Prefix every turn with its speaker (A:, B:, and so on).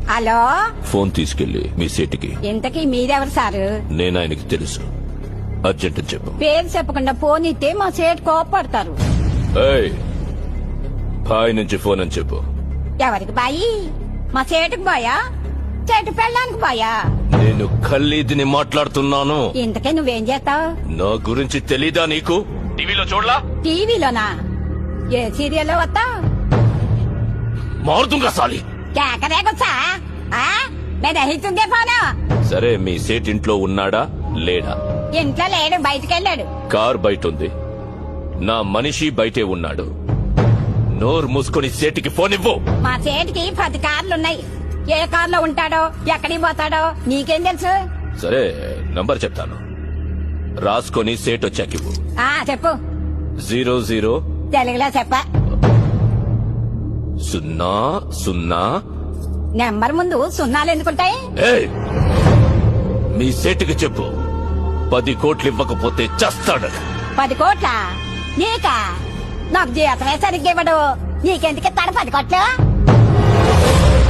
A: Hello,
B: phone తీసుకెళ్లి మీ సీటుకి.
A: ఇంతకీ మీరెవరు సారు?
B: నేను ఆయనకి తెలుసు. అర్జెంట్ అని చెప్పు.
A: పేరు చెప్పకుండా ఫోన్ ఇస్తే మా సేటు కోపడతారు.
B: ఏయ్, బాయ్ నుంచి ఫోన్ అని చెప్పు.
A: ఎవరికి బాయి? మా సేటుకు బాయా, చెట్టు పెళ్ళానికి బాయా?
B: నేను ఖల్లీదిని మాట్లాడుతున్నాను.
A: ఇంతకే నువ్వేం చేస్తావు?
B: నా గురించి తెలీదా నీకు? టీవీలో చూడలా?
A: టీవీలోనా? ఏ సీరియల్లో వస్తావు?
B: మారుతుంగా సాలి.
A: కేకరేకొచ్చా? నేను రహితుందే ఫోను.
B: సరే, మీ సేట్ ఇంట్లో ఉన్నాడా లేడా?
A: ఇంట్లో లేడు, బయటకెళ్ళాడు.
B: కార్ బయట ఉంది, నా మనిషి బయటే ఉన్నాడు. నోరు మూసుకొని సేటికి ఫోన్ ఇవ్వు.
A: మా సేటుకి 10 కార్లున్నాయి. ఏ కార్లో ఉంటాడో, ఎక్కడికి పోతాడో నీకేం తెలుసు?
B: సరే, నంబర్ చెప్తాను, రాసుకొని సేట్ వచ్చాకివ్వు.
A: చెప్పు.
B: 00
A: తెలుగులో చెప్ప.
B: 00.
A: నెంబర్ ముందు సున్నాలు ఎందుకుంటాయి?
B: ఏయ్, మీ సేటుకి చెప్పు, 10 కోట్లు ఇవ్వకపోతే చస్తాడు.
A: 10 కోట్ల? నీకా? నాకు జీతమే సరిగ్గా ఇవ్వడు. నీకెందుకు ఇస్తాడు 10 కోట్లు?